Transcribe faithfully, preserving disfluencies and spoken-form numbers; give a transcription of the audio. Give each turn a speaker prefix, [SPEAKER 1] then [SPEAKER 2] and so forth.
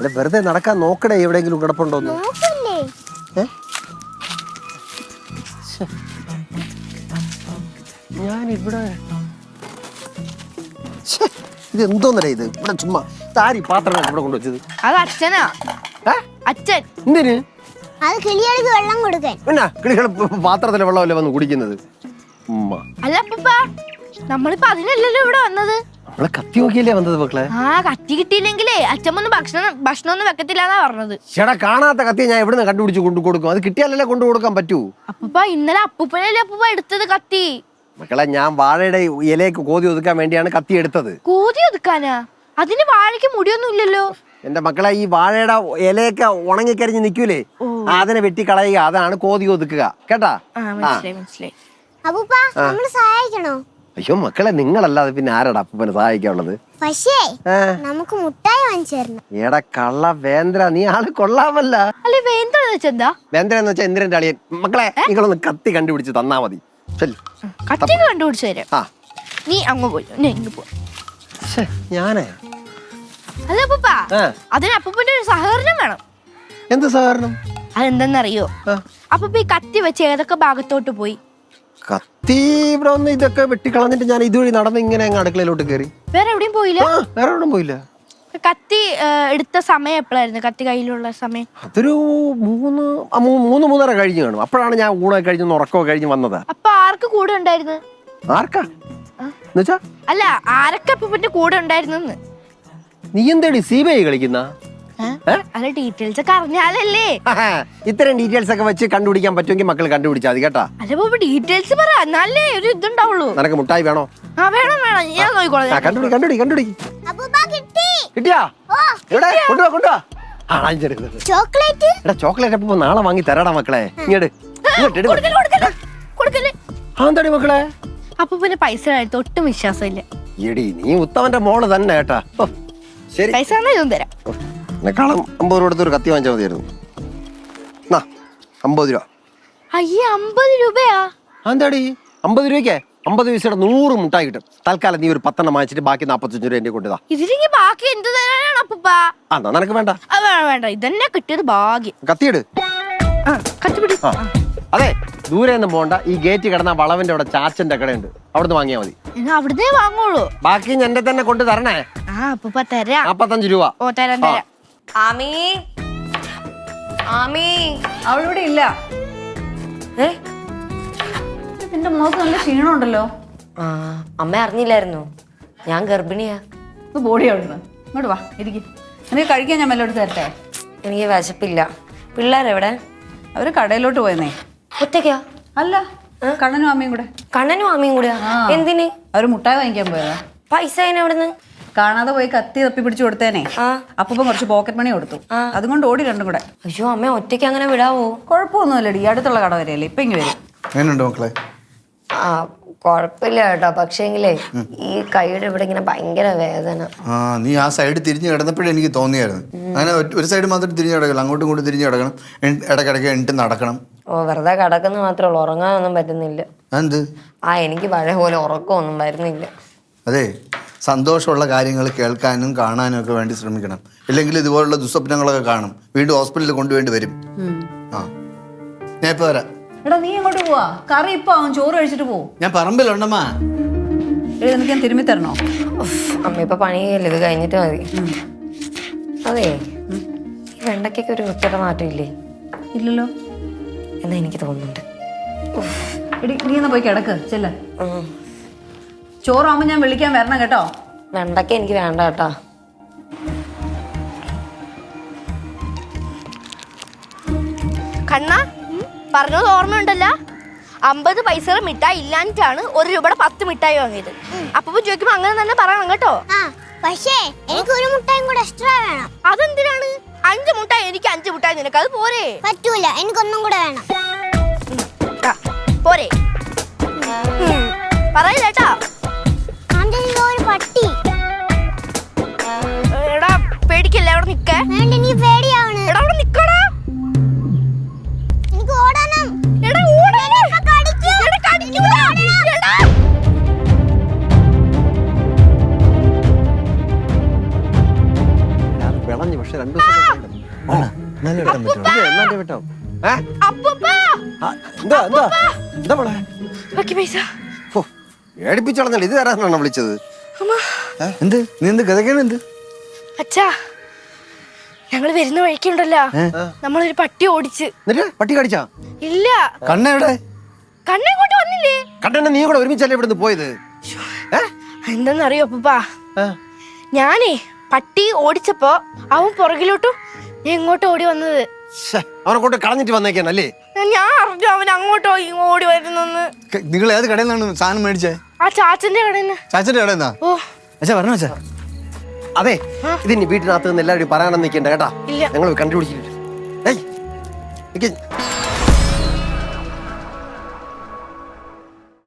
[SPEAKER 1] വെറുതെ നടക്കാൻ നോക്കടേ, എവിടെയെങ്കിലും കിടപ്പുണ്ടോന്ന്. ഞാനിവിടെ ഇത് എന്തോന്നല്ലേ ഇത്? ഇവിടെ ചുമ്മാ താരി പാത്രങ്ങൾ ഇവിടെ കൊണ്ടുവച്ചത്.
[SPEAKER 2] അത് അച്ഛനാ. അച്ഛൻ
[SPEAKER 1] എന്തിന്?
[SPEAKER 3] അത് കിളികൾക്ക് വെള്ളം കൊടുക്കാൻ.
[SPEAKER 1] പിന്നെ കിളികൾ പാത്രത്തിലെ വെള്ളമല്ലേ വന്ന് കുടിക്കുന്നത്?
[SPEAKER 2] അല്ല അപ്പൂപ്പ, നമ്മളിപ്പോ അതിനല്ലല്ലോ ഇവിടെ വന്നത്.
[SPEAKER 1] നമ്മളെ കത്തി നോക്കിയല്ലേ വന്നത് മക്കളെ.
[SPEAKER 2] ആ കത്തി കിട്ടിയില്ലെങ്കിലേ അച്ഛമ്മ ഭക്ഷണം ഭക്ഷണം ഒന്നും വെക്കത്തില്ലാന്നാ പറഞ്ഞത്.
[SPEAKER 1] ചേട്ടാ, കാണാത്ത കത്തിയെ ഞാൻ എവിടെ നിന്ന് കണ്ടുപിടിച്ച് കൊണ്ടു കൊടുക്കും? അത് കിട്ടിയാലല്ലേ കൊണ്ടു കൊടുക്കാൻ പറ്റൂ.
[SPEAKER 2] അപ്പൂപ്പ ഇന്നലെ അപ്പൂപ്പനല്ലേ അപ്പൂപ്പ എടുത്തത് കത്തി.
[SPEAKER 1] മക്കളെ, ഞാൻ വാഴയുടെ ഇലയ്ക്ക് കോതി ഒതുക്കാൻ വേണ്ടിയാണ് കത്തി എടുത്തത്.
[SPEAKER 2] കോതി ഒതുക്കാനാ? അതിന് വാഴയ്ക്ക് മുടിയൊന്നും ഇല്ലല്ലോ.
[SPEAKER 1] എന്റെ മക്കളെ, ഈ വാഴയുടെ ഇലയൊക്കെ ഉണങ്ങിക്കരിഞ്ഞ് നിൽക്കൂലേ, അതിനെ വെട്ടി കളയുക, അതാണ് കോതി ഒതുക്കുക. കേട്ടാ?
[SPEAKER 2] മനസ്സിലായി.
[SPEAKER 3] അപ്പൂപ്പ നമ്മള് സഹായിക്കണോ?
[SPEAKER 1] അയ്യോ മക്കളെ, നിങ്ങളല്ലാതെ പിന്നെ ആരാടാ അപ്പൂപ്പനെ സഹായിക്കാനുള്ളത്?
[SPEAKER 3] പക്ഷേ നമുക്ക് മുട്ടായി വാങ്ങിച്ചു തരണം.
[SPEAKER 1] എടാ കള്ള വേന്ദ്ര, നീ ആള് കൊള്ളാമല്ല.
[SPEAKER 2] അല്ലെ വേന്ദ്ര വെച്ചെന്താ?
[SPEAKER 1] വേന്ദ്ര എന്ന് വെച്ചാൽ ഇന്ദ്രന്റെ അളിയൻ. മക്കളെ, നിങ്ങളൊന്ന് കത്തി കണ്ടുപിടിച്ച് തന്നാ മതി.
[SPEAKER 2] കത്തി കണ്ടുപിടിച്ചു തരാം. നീ അങ്ങ് പോയി, ഇങ്ങ് പോ.
[SPEAKER 1] ഞാനേ
[SPEAKER 2] അല്ല അപ്പൂപ്പ, അതിന് അപ്പൂപ്പന്റെ ഒരു സഹകരണം വേണം.
[SPEAKER 1] എന്ത് സഹകരണം?
[SPEAKER 2] അതെന്തെന്നറിയോ? അപ്പൂപ്പ ഈ കത്തി വെച്ച് ഏതൊക്കെ ഭാഗത്തോട്ട് പോയി?
[SPEAKER 1] കത്തി ഇവിടെ ഒന്ന് ഇതൊക്കെ വെട്ടിക്കളഞ്ഞിട്ട് ഞാൻ ഇതുവഴി നടന്ന് ഇങ്ങനെ അങ്ങ് അടുക്കളയിലോട്ട് കയറി.
[SPEAKER 2] വേറെ എവിടെയും പോയില്ല?
[SPEAKER 1] വേറെ എവിടെയും പോയില്ല.
[SPEAKER 2] കത്തി എടുത്ത സമയം എപ്പോഴായിരുന്നു? കത്തി കയ്യിലുള്ള സമയം
[SPEAKER 1] അതൊരു മൂന്ന് മൂന്ന് മൂന്നര കഴിഞ്ഞ് കാണും. അപ്പോഴാണ് ഞാൻ ഊണൊക്കെ കഴിഞ്ഞ് ഉറക്കമൊക്കെ കഴിഞ്ഞ് വന്നത്.
[SPEAKER 2] അപ്പൊ ആർക്ക് കൂടെ ഉണ്ടായിരുന്നു?
[SPEAKER 1] ആർക്കാ എന്നുവെച്ചാ?
[SPEAKER 2] അല്ല, ആരൊക്കെ അപ്പൂപ്പന്റെ കൂടെ ഉണ്ടായിരുന്നു?
[SPEAKER 1] നീ എന്തേടി സി ബി ഐ കളിക്കുന്ന?
[SPEAKER 2] അല്ല, ഡീറ്റെയിൽസ് ഒക്കെ അറിഞ്ഞാലല്ലേ.
[SPEAKER 1] ഇത്തരം ഡീറ്റെയിൽസ് ഒക്കെ വെച്ച് കണ്ടുപിടിക്കാൻ പറ്റുമെങ്കിൽ മക്കൾ കണ്ടുപിടിച്ചാൽ മതി കേട്ടാ.
[SPEAKER 2] അല്ല ഡീറ്റെയിൽസ് പറ, എന്നാലേ ഒരു ഇതുണ്ടാവുള്ളൂ.
[SPEAKER 1] നിനക്ക് മുട്ടായി വേണോ?
[SPEAKER 2] ആ വേണം വേണം, ഞാൻ നോക്കിക്കോളാം.
[SPEAKER 1] കണ്ടുപിടി കണ്ടുപിടി കണ്ടുപിടി.
[SPEAKER 3] കിട്ടി.
[SPEAKER 1] കിട്ടിയാ? എവിടെ? കൊണ്ടുവാ കൊണ്ടുവാ.
[SPEAKER 3] ചോക്ലേറ്റ്.
[SPEAKER 1] എടാ, ചോക്ലേറ്റ് അപ്പൊ നാളെ വാങ്ങി തരാടാ മക്കളെ. ഇങ്ങോട്ട് എന്താടി മക്കളെ?
[SPEAKER 2] അപ്പൊ പിന്നെ പൈസ എടുത്ത് ഒട്ടും വിശ്വാസമില്ല.
[SPEAKER 1] എടി, നീ ഉത്തമന്റെ മോള് തന്നെ കേട്ടാ. ശരി,
[SPEAKER 2] പൈസ ഇതും തരാം.
[SPEAKER 1] എന്നെക്കാളും അമ്പത് രൂപ എടുത്ത് ഒരു കത്തി വാങ്ങിച്ചാൽ മതിയായിരുന്നു. അമ്പത് രൂപ.
[SPEAKER 2] അയ്യേ, അമ്പത് രൂപയാ?
[SPEAKER 1] എന്താടി അമ്പത് രൂപയ്ക്ക് അമ്പത് പൈസയുടെ നൂറ് മുട്ടായി കിട്ടും. തൽക്കാലം നീ ഒരു പത്തെണ്ണം വാങ്ങിച്ചിട്ട് ബാക്കി നാപ്പത്തഞ്ച് രൂപ എന്റെ കൊണ്ടുതാ.
[SPEAKER 2] ഇതിലേക്ക് ബാക്കി എന്ത് തരാനാണ് അപ്പൂപ്പ?
[SPEAKER 1] അതാ നിനക്ക് വേണ്ട.
[SPEAKER 2] വേണ്ട വേണ്ട, ഇതന്നെ കിട്ടിയത് ഭാഗ്യം.
[SPEAKER 1] കത്തിയിട്.
[SPEAKER 2] കത്തിപ്പിടി.
[SPEAKER 1] അതെ, ദൂരെ ഒന്നും പോണ്ട. ഈ ഗേറ്റ് കിടന്ന വളവിന്റെ അവിടെ ചാച്ചന്റെ കടയുണ്ട്, അവിടുന്ന് വാങ്ങിയാ മതി.
[SPEAKER 2] അവിടുന്നേ വാങ്ങുള്ളൂ.
[SPEAKER 1] ബാക്കി എന്റെ തന്നെ കൊണ്ട് തരണേ.
[SPEAKER 2] ആ അപ്പൂപ്പ തരാം.
[SPEAKER 1] നാപ്പത്തഞ്ച് രൂപ.
[SPEAKER 2] ഓ തരാം തരാം.
[SPEAKER 4] ആമി, ആമി
[SPEAKER 5] അവളിവിടെ ഇല്ല.
[SPEAKER 4] ഏ
[SPEAKER 5] നിന്റെ മുഖത്ത് നല്ല ക്ഷീണമുണ്ടല്ലോ.
[SPEAKER 4] ആ, അമ്മ അറിഞ്ഞില്ലായിരുന്നു, ഞാൻ ഗർഭിണിയാ.
[SPEAKER 5] ഇത് ബോഡി അവിടുന്ന് ഇങ്ങോട്ട് വാ, ഇരിക്കും. എനിക്ക് കഴിക്കാൻ ഞാൻ വല്ലതും എടുത്ത് തരട്ടെ?
[SPEAKER 4] എനിക്ക് വിശപ്പില്ല. പിള്ളേരെവിടെ?
[SPEAKER 5] അവര് കടയിലോട്ട് പോയെന്നേ.
[SPEAKER 4] ഒറ്റയ്ക്കാ?
[SPEAKER 5] അല്ല, കണ്ണനും അമ്മയും കൂടെ.
[SPEAKER 4] കണ്ണനും അമ്മയും കൂടെയാ? എന്തിന്?
[SPEAKER 5] അവര് മുട്ടായി വാങ്ങിക്കാൻ പോയതാ.
[SPEAKER 4] പൈസ എവിടുന്ന്?
[SPEAKER 5] കാണാതെ പോയി കത്തി തപ്പി പിടിച്ചു കൊടുത്തേനെ. അപ്പം കുറച്ച് പോക്കറ്റ് മണി കൊടുത്തു, അതുകൊണ്ട് ഓടി രണ്ടും കൂടെ.
[SPEAKER 4] അയ്യോ, അമ്മ ഒറ്റയ്ക്ക് അങ്ങനെ വിടാവോ?
[SPEAKER 5] കുഴപ്പമൊന്നുമില്ലടി, അടുത്തുള്ള കട വരെയല്ലേ, ഇപ്പൊ ഇങ്ങ് വരും.
[SPEAKER 6] എങ്ങനെയുണ്ട് മക്കളെ?
[SPEAKER 4] ആ കുഴപ്പമില്ല കേട്ടോ, പക്ഷേങ്കിലേ ഈ കൈയുടെ ഇവിടെ ഇങ്ങനെ ഭയങ്കര വേദന.
[SPEAKER 6] ആ, നീ ആ സൈഡ് തിരിഞ്ഞ് കിടന്നപ്പോഴേ എനിക്ക് തോന്നിയായിരുന്നു. അങ്ങനെ ഒരു സൈഡ് മാത്രം തിരിഞ്ഞ് കിടക്കണം, അങ്ങോട്ടും ഇങ്ങോട്ടും തിരിഞ്ഞ് കിടക്കണം, ഇടയ്ക്കിടയ്ക്ക് എണിട്ട് നടക്കണം.
[SPEAKER 4] ഓ, വെറുതെ കിടക്കുന്ന മാത്രമേ ഉള്ളൂ, ഉറങ്ങാനൊന്നും പറ്റുന്നില്ല.
[SPEAKER 6] എന്ത്?
[SPEAKER 4] ആ, എനിക്ക് പഴയ പോലെ ഉറക്കമൊന്നും വരുന്നില്ല.
[SPEAKER 6] അതെ, സന്തോഷമുള്ള കാര്യങ്ങൾ കേൾക്കാനും കാണാനും ഒക്കെ വേണ്ടി ശ്രമിക്കണം. ഇല്ലെങ്കിൽ ഇതുപോലുള്ള ദുസ്വപ്നങ്ങളൊക്കെ കാണും, വീണ്ടും ഹോസ്പിറ്റലിൽ കൊണ്ടുവേണ്ടി വരും. ആ, ഞാൻ ഇപ്പൊ വരാം.
[SPEAKER 5] എടാ, നീ എങ്ങോട്ട് പോവാ? കറി ഇപ്പൊ ആവും, ചോറ് കഴിച്ചിട്ട് പോവും.
[SPEAKER 6] ഞാൻ പറമ്പിലുണ്ടമ്മ.
[SPEAKER 5] എനിക്ക് ഞാൻ തിരുമ്മി തരണോ?
[SPEAKER 4] അമ്മ ഇപ്പൊ പണിയല്ലേ, ഇത് കഴിഞ്ഞിട്ട് മതി. അതെ, ഈ വെണ്ടയ്ക്കൊക്കെ ഒരു വൃത്തിയുടെ മാറ്റം ഇല്ലേ?
[SPEAKER 5] ഇല്ലല്ലോ
[SPEAKER 4] എന്നാ എനിക്ക് തോന്നുന്നുണ്ട്.
[SPEAKER 5] എടി, നീ എന്നാ പോയി കിടക്ക്, ചെല്ല. ചോറാകുമ്പോ ഞാൻ വിളിക്കാൻ വരണം കേട്ടോ.
[SPEAKER 4] വെണ്ടയ്ക്ക എനിക്ക് വേണ്ട കേട്ടാ.
[SPEAKER 2] കണ്ണ പറഞ്ഞത് ഓർമ്മയുണ്ടല്ലോ, അമ്പത് പൈസ മിഠായി ഇല്ലാഞ്ഞിട്ടാണ് ഒരു രൂപയുടെ പത്ത് മിഠായി വാങ്ങിയത്. അപ്പൊ ചോദിക്കുമ്പോ അങ്ങനെ തന്നെ പറയണം കേട്ടോ.
[SPEAKER 3] പക്ഷേ എനിക്ക് ഒരു മുട്ടായും കൂടെ എക്സ്ട്രാ വേണം.
[SPEAKER 2] അതെന്തിനാണ്? അഞ്ച് മുട്ടായി എനിക്ക്, അഞ്ച് മുട്ടായി നിനക്ക്, അത് പോരെ?
[SPEAKER 3] പറ്റൂല, എനിക്കൊന്നും കൂടെ വേണം.
[SPEAKER 2] പോരെ? പറയില്ലേട്ടാ.
[SPEAKER 3] ഒരു പട്ടി.
[SPEAKER 2] എടാ പേടിക്കല്ലേ, അവിടെ നിക്കേ.
[SPEAKER 3] വേണ്ട, നീ പേടിയാവണ്.
[SPEAKER 2] എടാ അവിടെ നിക്കടാ.
[SPEAKER 3] എനിക്ക് ഓടണം.
[SPEAKER 2] എടാ ഓടണം. എടാ കടിക്കൂല. എടാ
[SPEAKER 1] വിളഞ്ഞു, പക്ഷെ രണ്ടു ദിവസം എന്നാലേ വെട്ടാൻ പറ്റുള്ളൂ. ഇത് എന്നാലേ വെട്ടാം. ഏ?
[SPEAKER 2] അപ്പൂപ്പ
[SPEAKER 1] ആ, എന്താ എന്താ എന്താ മോളെ?
[SPEAKER 2] ബാക്കി പൈസ.
[SPEAKER 1] ഓ, പേടിപ്പിച്ചളഞ്ഞല്ലോ. ഇത് തരാനാണോ വിളിച്ചത്?
[SPEAKER 2] അമ്മ
[SPEAKER 6] എന്ത് നീ എന്ത് ഗതകേണ് എന്ത്
[SPEAKER 2] അച്ഛാ, ഞങ്ങള് വരുന്ന വഴിക്കുണ്ടല്ലോ, നമ്മളൊരു പട്ടി ഓടിച്ച്.
[SPEAKER 1] എന്നിട്ട് പട്ടി കടിച്ചാ?
[SPEAKER 2] ഇല്ല,
[SPEAKER 6] കണ്ണെവിടെ?
[SPEAKER 2] കണ്ണിങ്ങോട്ട് വന്നില്ലേ?
[SPEAKER 1] കണ്ണെണ്ണ നീ കൂടെ ഒരുമിച്ചല്ലേ ഇവിടുന്ന് പോയത്? ഏ?
[SPEAKER 2] എന്താന്നറിയോ അപ്പൂപ്പാ,
[SPEAKER 1] ആ.
[SPEAKER 2] ഞാനേ പട്ടി ഓടിച്ചപ്പോ അവൻ പുറകിലോട്ടും ഞാൻ ഇങ്ങോട്ട് ഓടി വന്നത്.
[SPEAKER 1] ശ്ശെ, അവനെ കൊണ്ട് കളഞ്ഞിട്ട് വന്നേക്കാനല്ലേ?
[SPEAKER 2] ഞാൻ അറിഞ്ഞു അവൻ അങ്ങോട്ടോ ഇങ്ങോ ഓടി വരുന്നെന്ന്.
[SPEAKER 6] ക- നിങ്ങൾ ഏത് കടയിൽ നിന്നാണ് സാധനം മേടിച്ചേ?
[SPEAKER 2] ആ ചാച്ചന്റെ കടയിൽ നിന്ന്.
[SPEAKER 6] ചാച്ചന്റെ കടയിൽ നിന്നാ?
[SPEAKER 2] ഓ
[SPEAKER 6] അച്ഛാ പറഞ്ഞോ അച്ഛാ.
[SPEAKER 1] അതെ, ഇതിനി വീട്ടിനകത്ത് നിന്ന് എല്ലാവരും പറയാനൊന്നും നിൽക്കണ്ട കേട്ടാ.
[SPEAKER 2] ഇല്ല.
[SPEAKER 1] ഞങ്ങൾ കണ്ടുപിടിച്ചിട്ട്